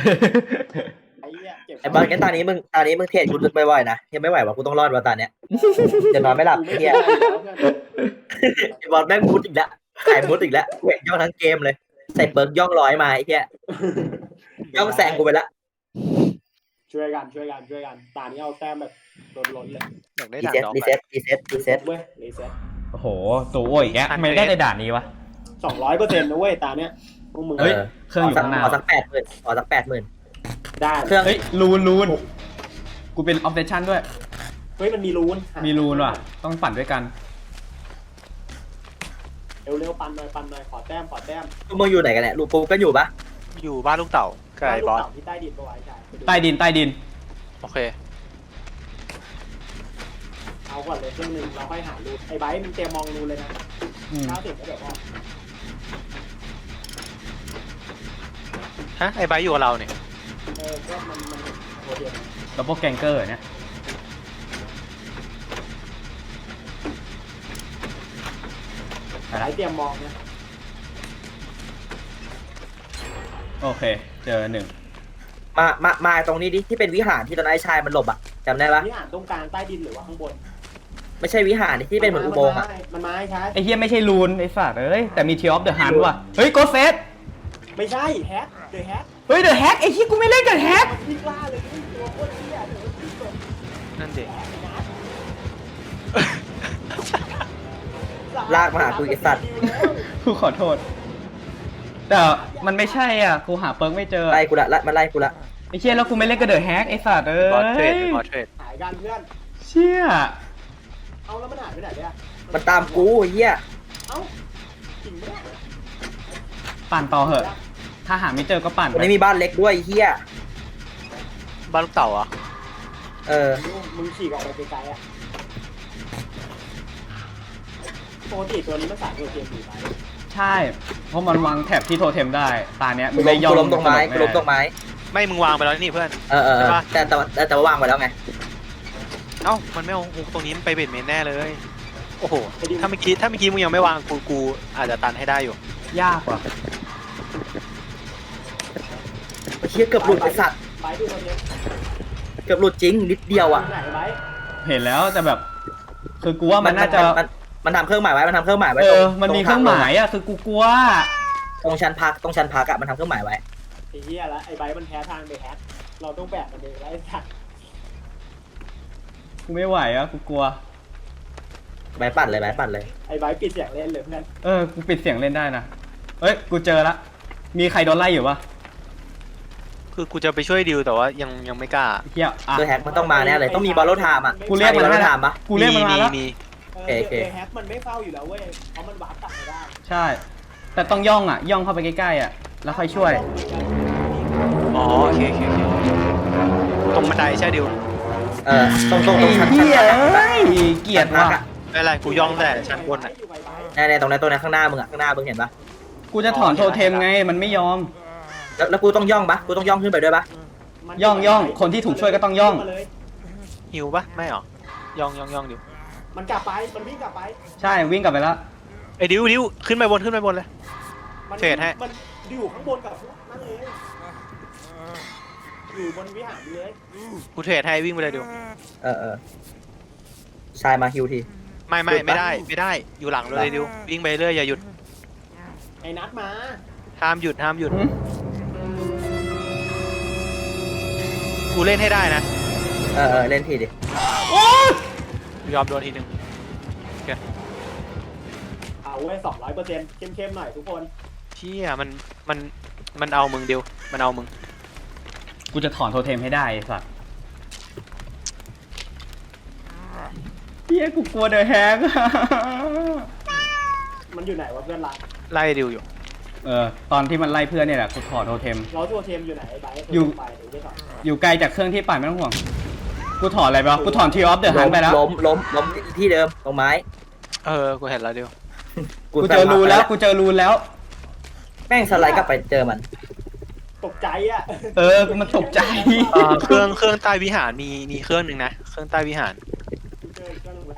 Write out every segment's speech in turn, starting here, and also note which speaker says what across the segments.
Speaker 1: ไอ้เหี้ยเก็บ
Speaker 2: ไอ้บอลงั้นตอนนี้มึงเทรดกูบ่อยๆนะยังไม่ไหวว่ะกูต้องรอดว่ะตอนเนี้ยเดี๋ยวนอนไม่หลับไอ้เหี้ยไอ้บอลแม่งมุดอีกแล้วขายมุดอีกแล้วแข่งย่องทั้งเกมเลยใส่เปิร์กย่องร้อยมาไอ้เหี้ยย่องแซงกูไปละ
Speaker 1: ช่วยกันตานี้เอาแต้มแบบล้นเลย
Speaker 3: อยากได้
Speaker 2: รี
Speaker 3: ด่าน
Speaker 2: เซ็ต
Speaker 3: ดอก
Speaker 2: รีเซ็ตรีเซ็ตรีเซ็ต
Speaker 1: เว้ยรีเซ็ต
Speaker 4: โอ้โหตัวอ้วยอีกแกทำไมได้ในด่านนี้วะ
Speaker 1: 200%นะเว้ยตาเนี้ยพวกมึง
Speaker 4: เฮ้ยเครื่องอยู่ข้างหน้า
Speaker 2: ขอสัก80,000ขอสัก80,000
Speaker 1: ได้
Speaker 2: เครื่อง
Speaker 4: เฮ้ยรูนกูเป็นออฟเดชั่นด้วย
Speaker 1: เฮ้ยมันมีรูน
Speaker 4: มีรูนว่ะต้องปั่นด้วยกัน
Speaker 1: เร็วปั่นหน่อยขอแต้ม
Speaker 2: พวกมึงอยู่ไหนกันเนี่ยลูกปูก็อยู่ปะ
Speaker 3: อยู่บ้านลูกเต่าไกลบอส
Speaker 1: ที่ใต้ดินปะไว้ใช่
Speaker 4: ใต้ดิน
Speaker 3: โอเค
Speaker 1: เอาก่อนเลยเครื่องนึงเราค่อยหารูนไอ้ไบร์ทมึงเตรียมมองรูนเลยนะ
Speaker 4: อืม
Speaker 1: 90ก็เดี๋ยวพอ
Speaker 3: ฮะไอ้ไบร์ทอยู่กับเราเนี่ย
Speaker 1: ก็มันโอเค
Speaker 4: ดับเบิลแกงเกอร์เนี่ย
Speaker 1: ไบร์ทเตรียมมองนะ
Speaker 4: โอเคเจอหนึ่ง
Speaker 2: มาตรงนี้ดิที่เป็นวิหารที่ตอนนั้นไอ้ชายมันหลบอ่ะจำได้ปะ
Speaker 1: นี่อ่านตรงกลางใต้ดินหรือว่าข้างบน
Speaker 2: ไม่ใช่วิหารที่เป็นเหมือนอุโมงค์อ่ะ
Speaker 1: มันมาใช่
Speaker 4: ไอ้เฮียไม่ใช่รูนไอ้สัตว์เอ้ยแต่มีเทียออฟเดอะฮันว่ะเฮ้ยโกเฟส
Speaker 1: ไม่ใช่แฮกเดอะแฮก
Speaker 4: เฮ้ยเดอะแฮกไอ้เฮียกูไม่เล่นกับแฮก
Speaker 1: มันพลิกล่าเลยตัวโคตรเหี้ยเดี๋ยวมันพลิกเลย
Speaker 3: นั่นเด็ก
Speaker 2: ลากมาหากูไอ้สัตว์
Speaker 4: กูขอโทษ แต่มันไม่ใช่อ่ะกูหาเปิร์กไม่เจอ
Speaker 2: ไล่กูละมันไล่กูละ
Speaker 4: ไอ้เชี่ยแล้วกูไม่เล่นกับเดอะแฮกไอ้สัตว์เอ้
Speaker 3: บอสเทรด
Speaker 4: ย
Speaker 3: บอสเทรด
Speaker 1: หายกันเพื่อน
Speaker 4: เชี่ย
Speaker 1: เอาแล้วมันหายไปไหนเนี่ย
Speaker 2: มันตามกูไอ้เหี้ย
Speaker 1: เอ้าจริงไหมเนี่ย
Speaker 4: ปั่นต่อเหอะถ้าหาไม่เจอก็ปั่น
Speaker 2: วัน
Speaker 4: ไป
Speaker 2: นี้มีบ้านเล็กด้วยไอ้เหี้ย
Speaker 3: บ้านลูกเต่าอ่ะ
Speaker 2: เออ
Speaker 1: มึงฉีกออกไปไกลๆอ่ะปกติตัวนี้มันสายตัวเกมดีไป
Speaker 4: ใช่เพราะมันวางแถบที่โทเทมได้ตาเนี้ย
Speaker 2: กู
Speaker 4: ไม่ยอม
Speaker 2: ล้มตรงไม้กูล้มตรงไม้
Speaker 3: ไม่มึงวางไปแล้วนี่เพื่อน
Speaker 2: เออ
Speaker 3: ใช่ปะ
Speaker 2: แต่ว่าวางไว้แล้วไง
Speaker 3: เอ้ามันไม่เอาฮุกตรงนี้มันไปเบ็ดเมนแน่เลยโอ้โหถ้าเมื่อกี้มึงยังไม่วางกูอาจจะตันให้ได้อยู่
Speaker 4: ยากว่ะ
Speaker 2: ไอ้เหี้ยเกือบหลุดไอ้สัตว์
Speaker 1: ไปดูตัวนี้
Speaker 2: เกือบหลุดจริงนิดเดียวอ่ะ
Speaker 1: ไหนไป
Speaker 4: เห็นแล้วแต่แบบ คือกูว่ามันน่าจะ
Speaker 2: มันทำเครื่องหมายไว้มันทำเครื่องหมายไว้
Speaker 4: เอ
Speaker 2: ตร
Speaker 4: อมันมีเครื่องหมายอ่ะคือกูกลัว
Speaker 2: ตรงชั้นพักอะมันทำเครื่องหมายไว้
Speaker 1: ไอ้เหี้ยแล้วไอ้ไบมันแพ้ทางไปแฮกเราต้องแบกมันเองแล้วไอ้สัตว์
Speaker 4: กูไม่ไหวอ่ะกูกลัว
Speaker 2: ใบปั่นเลย
Speaker 1: ไอ้ไบปิดเสียงเล่นเลยเพื่อน
Speaker 4: เออกูปิดเสียงเล่นได้นะเอ้ยกูเจอละมีใครโดนไล่อยู่ปะ
Speaker 3: คือกูจะไปช่วยดิวแต่ว่ายังไม่กล้า
Speaker 4: เฮียอ่ะ
Speaker 2: ตัวแฮกมันต้องมาแน่เลยต้องมีบอลโลไทม์อ่ะ
Speaker 4: กูเรียกมัน
Speaker 2: บอลโล
Speaker 4: ให้
Speaker 2: ไท
Speaker 4: ละ
Speaker 2: ม์ปะ
Speaker 4: กูเรียกมันมาแล้ว
Speaker 3: มี
Speaker 2: โอเค
Speaker 1: แฮกมันไม่เฝ้าอยู่แล้วเว้ยเพราะมันวาร์ปกลับไม่ได้
Speaker 4: ใช่ แต่ต้องย่องอ่ะย่องเข้าไปใกล้ๆอ่ะแล้วค่อยช่วย
Speaker 3: อ๋อโอเคตรงบันไดใช่ดิว
Speaker 2: ตรงชั้น
Speaker 4: เฮีย
Speaker 2: พัก
Speaker 4: เอ้ยเกลียดว่ะ
Speaker 3: ไม่เป็นไรกูย่องแต่ชั้นบนอ่ะ
Speaker 2: ในตรงนั้นข้างหน้ามึงอะข้างหน้ามึงเห็นปะ
Speaker 4: กูจะถอนโทเทมไงมันไม่ยอม
Speaker 2: แล้วกูต้องย่องปะกูต้องย่องขึ้นไปด้วยปะ
Speaker 4: ย่องคนที่ถูกช่วยก็ต้องย่อง
Speaker 3: หิวปะไม่หรอย่องดิว
Speaker 1: มันกลับไปมันวิ่งกลับไป
Speaker 4: ใช่วิ่งกลับไปแล้ว
Speaker 3: ไอ้ดิวขึ้นไปบนเลย
Speaker 1: มัน
Speaker 3: เทรดให้
Speaker 1: มันอยู่ข้างบนกับนั่นเลยอยู่บนวิหารเลย
Speaker 3: กูเทรดให้วิ่งไปเลยดิว
Speaker 2: ชายมาฮิวที
Speaker 3: ไม่ได้อยู่หลังเลยดิววิ่งไปเรื่อยอย่าหยุด
Speaker 1: ไอ้นัดมา
Speaker 3: ห้ามหยุดกูเล่นให้ได้นะ
Speaker 2: เล่นทีดิ
Speaker 3: ยอมโดนทีนึง
Speaker 1: เอาไว้200%เข้มๆหน่อยทุกคน
Speaker 3: เชี่ยมันเอามึงดิวมันเอามึง
Speaker 4: กูจะถอนโทเทมให้ได้ไอ้สัสเฮียกูกลัวเดอะแฮก
Speaker 1: มันอยู่ไหนวะเพื่อนรัก
Speaker 3: ไล่ดิวอยู่
Speaker 4: ตอนที่มันไล่เพื่อนเนี่ยแหละกูถอนโทเทม
Speaker 1: เราตัวเทมอยู่ไหนไอ้ไบร์ท
Speaker 4: อยู่
Speaker 1: ไปถึงได้ถอด
Speaker 4: อยู่ไกลจากเครื่องที่ปั่นไม่ต้องห่วงกูถอนอะไรไปวะกูถอนทีออฟเดอะฮันไปแล้ว
Speaker 2: ล้มที่เดิมตรงไม้
Speaker 3: กูเห็นแล้วดิว
Speaker 4: กูเจอรูแล้วกูเจอรูแล้ว
Speaker 2: แม่งสไลด์กลับไปเจอมัน
Speaker 1: ตกใจอ่ะ
Speaker 4: มันตกใจ
Speaker 3: เครื่องใต้วิหารมีเครื่องหนึ่งนะเครื่องใต้วิหาร
Speaker 1: เจออีกเครื่องนึงละ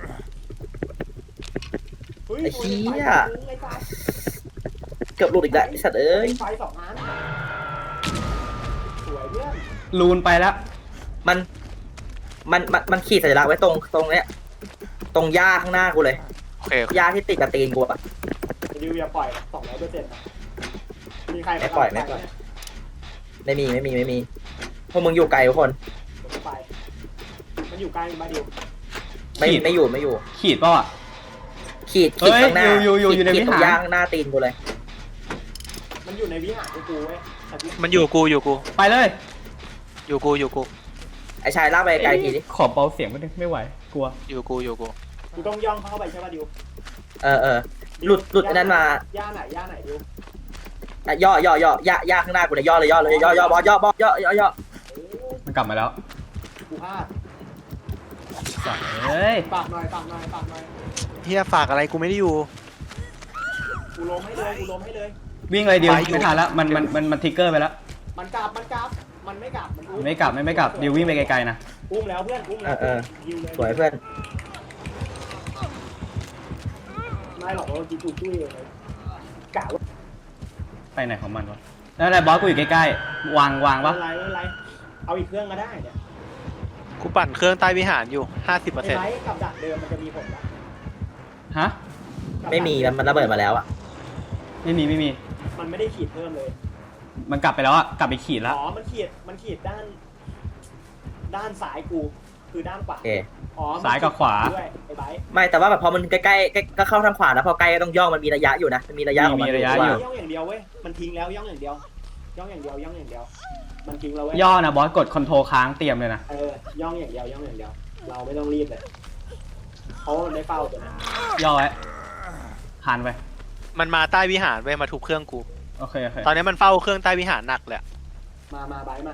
Speaker 2: ไอ้เหี้ย เกือบหลุดอีกแล้วไอ้สัตว์เอ้ย
Speaker 1: ไฟ2 อัน
Speaker 4: ลูนไปแล้ว
Speaker 2: มันขีดสัญลักษณ์ไว้ตรงเนี้ยตรงหญ้าข้างหน้ากูเลย
Speaker 3: โอเค
Speaker 2: หญ้าที่ติดกับตีนกูอะ
Speaker 1: ดิวอย่าปล่อย200%นะมีใคร
Speaker 2: ไม่ปล่อยไม่มีพวกมึงอยู่ไกลทุกคน
Speaker 1: ไปมันอยู่ใกล้มาดิว
Speaker 2: ไม่อยู่
Speaker 4: ขีดเปล่าอ่ะ
Speaker 2: ขีด
Speaker 4: เฮ้ย
Speaker 2: ข้างหน้า
Speaker 4: อยู่ใน
Speaker 2: ขีด
Speaker 4: วิ
Speaker 2: ตร
Speaker 4: หาร
Speaker 2: งย่างหน้าตีนกูเลย
Speaker 1: มันอยู่ในวิหารกูเว้ย
Speaker 3: มันอยู่กู
Speaker 4: ไปเลย
Speaker 3: อยู่กู
Speaker 2: ไอชายลากไปไกลทีดิ
Speaker 4: ขอเบาเสียงไปไม่ไหวกลัว
Speaker 3: อยู่กู
Speaker 1: กูต้องย่องเข้าไปใช่ป่ะดิว
Speaker 2: หลุดอันนั้นมา
Speaker 1: ย่าไหนดิว
Speaker 2: ย่าข้างหน้ากูเลยย่อบอสย่อ
Speaker 4: มันกลับมาแล้ว
Speaker 1: กูพลาด
Speaker 4: สัตว์เอ้ย
Speaker 1: ปากหน่อย
Speaker 3: เฮียฝากอะไรกูไม่ได้อยู่
Speaker 1: กูล้มให้เลย
Speaker 4: วิ่งเลยดิว
Speaker 3: ไปอยู่
Speaker 4: ไม่ทันแล้วมันทริกเกอร์ไปแล้ว
Speaker 1: มันกลับมันไม่กลับมันอุ้ม
Speaker 4: ไม่กลับดิววิ่งไปไกลๆนะ
Speaker 1: อุ้มแล้วเพื่อนอุ้มแล้วดิวเลย
Speaker 2: สวยเพื่อน
Speaker 1: ไม่หรอกเราจีจูจุ้ยเลยกะว่า
Speaker 4: ไปไหนของมันวะแล้วอะไรบอสกูอยู่ใกล้ๆวาง
Speaker 1: ไม่
Speaker 4: ปะ
Speaker 1: เป็นไรเอาอีกเครื่องก็ได้เนี่ย
Speaker 3: กูปั่นเครื่องใต้วิหารอยู่
Speaker 1: ไอ้
Speaker 3: 50%
Speaker 1: ไบกับดักเดิมมันจะมีผลปะ
Speaker 4: ฮะ
Speaker 2: ไม่มีมันระเบิดมาแล้วอะ
Speaker 4: ไม่มี
Speaker 1: มันไม่ได้ขีดเพิ่มเลย
Speaker 4: มันกลับไปแล้วอ่ะกลับไปขีดแล้ว
Speaker 1: อ๋อมันขีดด้านซ้ายกูคือด้านขวา
Speaker 2: โอเค
Speaker 1: อ๋อ
Speaker 4: ซ้ายกับขวา
Speaker 1: ด้วยไอ้ไบ
Speaker 2: ไม่แต่ว่าแบบพอมันใกล้ก็เข้าทางขวาแล้วพอใกล้ก็ต้องย่องมันมีระยะอยู่นะมันมีระยะของมัน
Speaker 4: มีระยะอยู่
Speaker 1: ย่องอย่างเดียวเว้ยมันทิ้งแล้วย่องอย่างเดียวมันทิ้งแล้วเว้ย
Speaker 4: ย่อนะบอสกดคอนโทรลค้างเตรียมเลยนะ
Speaker 1: ย่องอย่างเดียวเราไม่ต้องรีบเลยเพราะมันได้เฝ้าตัวนั้น
Speaker 4: ย่อไว้หันไป
Speaker 3: มันมาใต้วิหารเว้ยมาทุบเครื่องกู
Speaker 4: โอเค
Speaker 3: ตอนนี้มันเฝ้าเครื่องใต้วิหารหนักเลย
Speaker 1: มาไบมา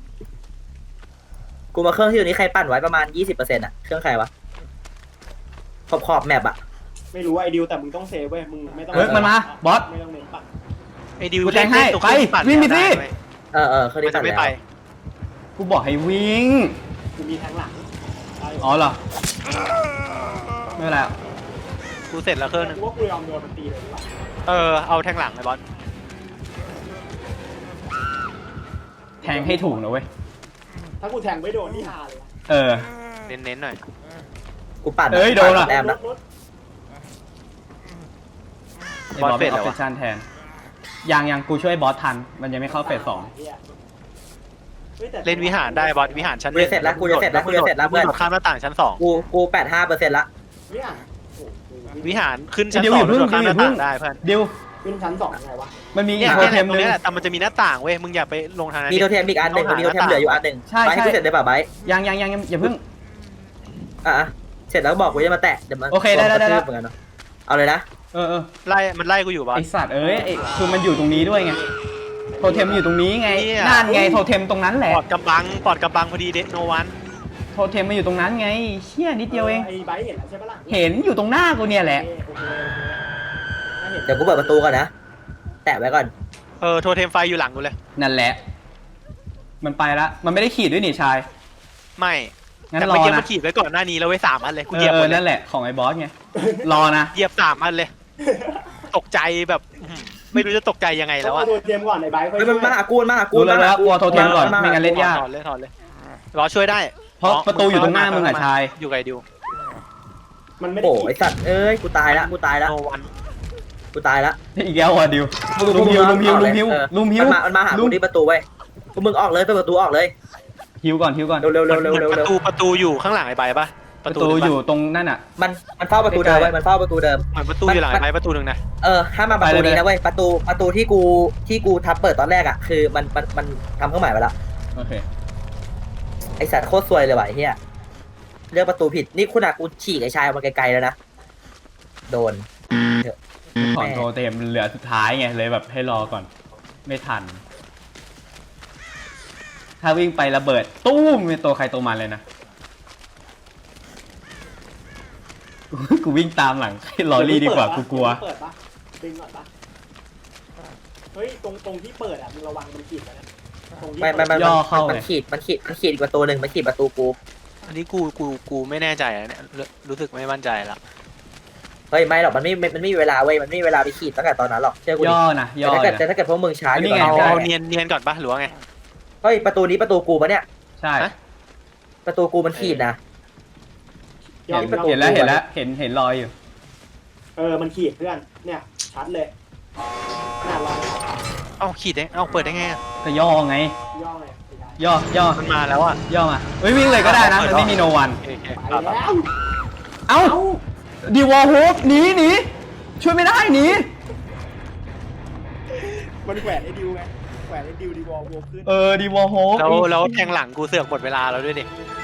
Speaker 2: กูมาเครื่องที่อยู่นี้ใครปั่นไว้ประมาณ 20%อะเครื่องใครวะขอบแมปอะ
Speaker 1: ไม่รู้ไอ้ดิวแต่มึงต้องเซฟเว้ยมึงไม่ต้อง
Speaker 4: เฮ้ยมันมาบอส
Speaker 1: ไม่ต้องเน้นปัด
Speaker 3: ไอ้ดิว
Speaker 4: กูแทงให้
Speaker 3: ตรง
Speaker 4: ไป
Speaker 3: ที่ปั่น
Speaker 4: วิ่งไปสิ
Speaker 3: ด้เว้ย
Speaker 2: เครื่อง
Speaker 3: มั
Speaker 2: นี้
Speaker 3: น
Speaker 2: ปั่
Speaker 3: จะ
Speaker 2: น
Speaker 3: ไม่
Speaker 2: แล้ว
Speaker 3: ไป
Speaker 4: กูบอกให้วิ่ง
Speaker 1: กูมีแทงหลังได้อยู่
Speaker 4: อ๋อเหรอไม่เป็นไร
Speaker 3: กูเสร็จแล้วเครื่องนึง
Speaker 1: กูว่ากูยอมโดนมันตีเลยดีกว่า
Speaker 3: เอาแทงหลังไอ้บอส
Speaker 4: แทงให้ถูกนะเว้ย
Speaker 1: ถ้ากูแทงไม่โดนนี่ฮาเลย
Speaker 3: เน้นๆหน่อย
Speaker 2: กูปั่น
Speaker 4: เอ้ยโดนอะ
Speaker 2: แต้มละ
Speaker 4: ไอ้บอสเป็นออปชั่นแทนยังกูช่วยบอสทันมันยังไม่เข้าเฟส 2
Speaker 3: เล่นวิหารได้บอสวิหารชั้น
Speaker 2: กูจะเสร็จแล้วเพื่อน
Speaker 3: โดดข้ามหน้าต่างชั้น
Speaker 2: กู85%ละ
Speaker 3: 2วิหารขึ้นชั้น2แล้วโดดข้ามหน้าต่างได้เพื่อน
Speaker 4: ดิว
Speaker 1: ขึ้นชั้น2ยังไงวะ
Speaker 4: มันมีอี
Speaker 3: เนี่
Speaker 4: ก
Speaker 3: ย
Speaker 4: โท
Speaker 3: เนี่ย
Speaker 4: เทม
Speaker 3: ตรง
Speaker 4: นึง
Speaker 3: นี้แหละแต่มันจะมีหน้าต่างเว้ยมึงอย่าไปลงทางนั้น
Speaker 2: มีโทเทมอีกอันหนึ่งมีโทเทมเหลืออยู่อันหนึ่ง
Speaker 4: ใช่
Speaker 2: ไปให้กูเสร็จได้ป่ะไบ
Speaker 4: ยังอย่าเพิ่ง
Speaker 2: เสร็จแล้วบอกกูจะมาแตะเดี๋ยวมัน
Speaker 4: โอเคได้
Speaker 2: เหมือนกันเนาะเอาเลยนะ
Speaker 3: มันไล่กูอยู่บอส
Speaker 4: ไอสัตว์คือมันอยู่ตรงนี้ด้วยไงโทเทมอยู่ตรงนี้ไง
Speaker 3: เนี่ย
Speaker 4: นั่นไงโทเทมตรงนั้นแหละ
Speaker 3: ปอดกำบังพอดีเด็กโนวัน
Speaker 4: โทเทมมันอยู่ตรงนั้นไงเชี่ยนิดเดียวเอง
Speaker 1: ไอ้ไบเห็นแล้วใช่ปะล่ะ
Speaker 4: เห็นอยู่ตรงหน้ากูเนี่ยแหละ
Speaker 1: โอเคถ้าเห็น
Speaker 2: เดี๋ยวกูเปิดประตูก่อนนะแตะไว้ก่อน
Speaker 3: โทเทมไฟอยู่หลังกูเลย
Speaker 4: นั่นแหละ มันไปละมันไม่ได้ขีดด้วยนี่ชาย
Speaker 3: ไม่
Speaker 4: งั้น
Speaker 3: แต่
Speaker 4: ร
Speaker 3: เมื่อ
Speaker 4: อ
Speaker 3: กี้มั
Speaker 4: นะ
Speaker 3: นขีดไว้ก่อนหน้านี้แล้วไว้3 อันเลยกูเหยียบหมดเลย
Speaker 4: นั่นแหละของไอ้บอสไงรอนะ
Speaker 3: เหยียบ3 อันเลย ตกใจแบบไม่รู้จะตกใจยังไงแล้ว
Speaker 1: เอา
Speaker 3: อะ
Speaker 1: ตัวเตรียมก่อนไอ้ไบค่อย
Speaker 2: เฮ้ยมันมาหากู
Speaker 4: รู้แล้วกลัวโทเทมก่อนไม่งั้นเล่นยาก
Speaker 3: ถอดเลยรอช่วยได้
Speaker 4: เพราะประตูอยู่ตรงหน้ามึงอะชาย
Speaker 3: อยู่ไกลดิว
Speaker 1: มันไม่ได้
Speaker 2: โอ้ไอสัตว์เอ้ยกูตายละ
Speaker 3: โนวัน
Speaker 4: อีกแล้วอ่ะดิวลุมฮิว
Speaker 2: มันมาหากูที่ประตูเว้ยพวกมึงออกเลยเปิดประตูออกเลย
Speaker 4: ฮิวก่อน
Speaker 2: เร็ว
Speaker 3: ประตูอยู่ข้างหลังไอ้ใบปะ
Speaker 4: ประตูอยู่ตรงนั่นอ่ะ
Speaker 2: มันเฝ้าประตูเดิมเว้ยมันเฝ้าประตูเดิม
Speaker 3: เหมือนประตูอยู่หลังไอ้ใบประตูหนึ่งนะ
Speaker 2: ถ้ามาประตูนี้นะเว้ยประตูที่กูทับเปิดตอนแรกอ่ะคือมันทำเครื่องหมายไปแล้ว
Speaker 4: โอเค
Speaker 2: ไอสัตว์โคตรซวยเลยว่ะไอ้เหี้ยเลือกประตูผิดนี่คุณอะกูฉีกไอชายออกมาไกลๆแล้วนะโดน
Speaker 4: ของโทเทมเหลือสุดท้ายไงเลยแบบให้รอก่อนไม่ทัน ถ้าวิ่งไประเบิดตู้มเป็นตัวใครตัวมันเลยนะ กูวิ่งตามหลังให้ลอรี่ดีกว่ากูกลัว
Speaker 1: เปิดปะดึงก่อนปะเฮ้ยตรงที่เปิดอ่ะมึงระวังมันขีดนะตรงที่
Speaker 2: มันขีดอีกประตูหนึ่งมันขีดประตูกู
Speaker 3: อันนี้กูไม่แน่ใจอะเนี่ยรู้สึกไม่มั่นใจละ
Speaker 2: เฮ้ยไม่หรอกมันไม่มีเวลาเว้ยมันไม่มีเวลาไปขีดตั้งแต่ตอนนั้นหรอกเชื่อกูดิ
Speaker 4: ย่อนะย่อ
Speaker 2: แต่ถ้าเกิดพวกมึงช้าอยู่
Speaker 4: นี่ไง
Speaker 2: ตอน
Speaker 3: เอา
Speaker 2: นี้
Speaker 3: เนียนก่อนปะหรือว่าไง
Speaker 2: เฮ้ยประตูนี้ประตูกูปะเนี่ย
Speaker 4: ใช่
Speaker 2: ประตูกูมันขีดนะ
Speaker 1: ย่อง
Speaker 4: เห็นแล้วเห็นรอยอยู่
Speaker 1: มันขีดเพื่อนเนี่ยชัดเลยหน้ารอย
Speaker 3: เอ้าขีดได้เอ้าเปิดได้ไงอะ
Speaker 4: ก็ย่อไง
Speaker 1: ย่องเลย
Speaker 4: ย่อ
Speaker 3: มันมาแล้วอ่ะ
Speaker 4: ย่อมาเฮ้ยวิ่งเลยก็ได้นะมันไม่มีโนวัน
Speaker 3: โอเค
Speaker 1: ไปแล้ว
Speaker 4: เอ้าดีวอลโฮปหนีช่วยไม่ได้หนี
Speaker 1: มันแขวนไอ้ดิวไงแขวนไอ้ดิวดีวอลโวขึ้น
Speaker 4: ดีวอลโฮป
Speaker 3: แล้วแทงหลังกูเสือกหมดเวลาแล้วด้วยดิ